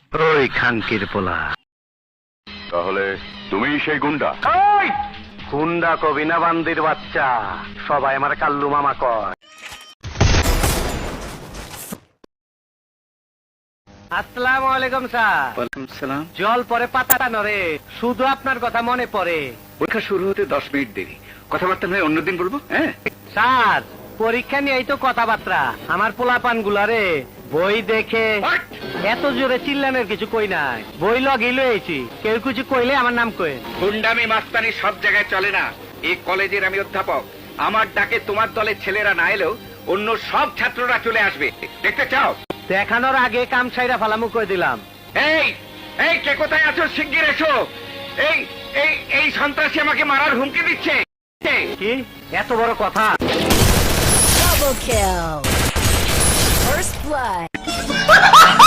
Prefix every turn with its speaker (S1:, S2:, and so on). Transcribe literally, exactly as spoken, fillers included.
S1: ওই খানকির পোলা।
S2: তাহলে তুমি সেই গুন্ডা?
S1: ওই গুন্ডা কবি না বান্দির বাচ্চা, সবাই আমার কাল্লু মামা কয়। আসসালামু আলাইকুম স্যার।
S3: ওয়ালাইকুম সালাম।
S1: জল পরে পাতা নড়ে, শুধু আপনার কথা মনে পড়ে।
S3: পরীক্ষা শুরু হতে দশ মিনিট দেরি, কথাবার্তা নয় অন্যদিন বলবো। হ্যাঁ
S1: স্যার, পরীক্ষা নিয়েই তো কথাবার্তা। আমার পোলাপান গুলারে বই দেখে এত জোরে চিল্লানোর কিছু কই নাই, বই লগি লয়েছি। কেউ কিছু কইলে আমার নাম কই।
S3: গুন্ডামি মাস্তানি সব জায়গায় চলে না। এই কলেজের আমি অধ্যাপক, আমার ডাকে তোমার দলের ছেলেরা না এলেও অন্য সব ছাত্ররা চলে আসবে। দেখতে চাও?
S1: দেখানোর আগে কাম সাইরা ফালামু কই দিলাম।
S3: এই এই কে কোথায় আছো? শিগগির এসো। এই এই এই সন্ত্রাসী আমাকে মারার হুমকি দিচ্ছে।
S1: কি এত বড় কথা?
S4: Double kill. First blood.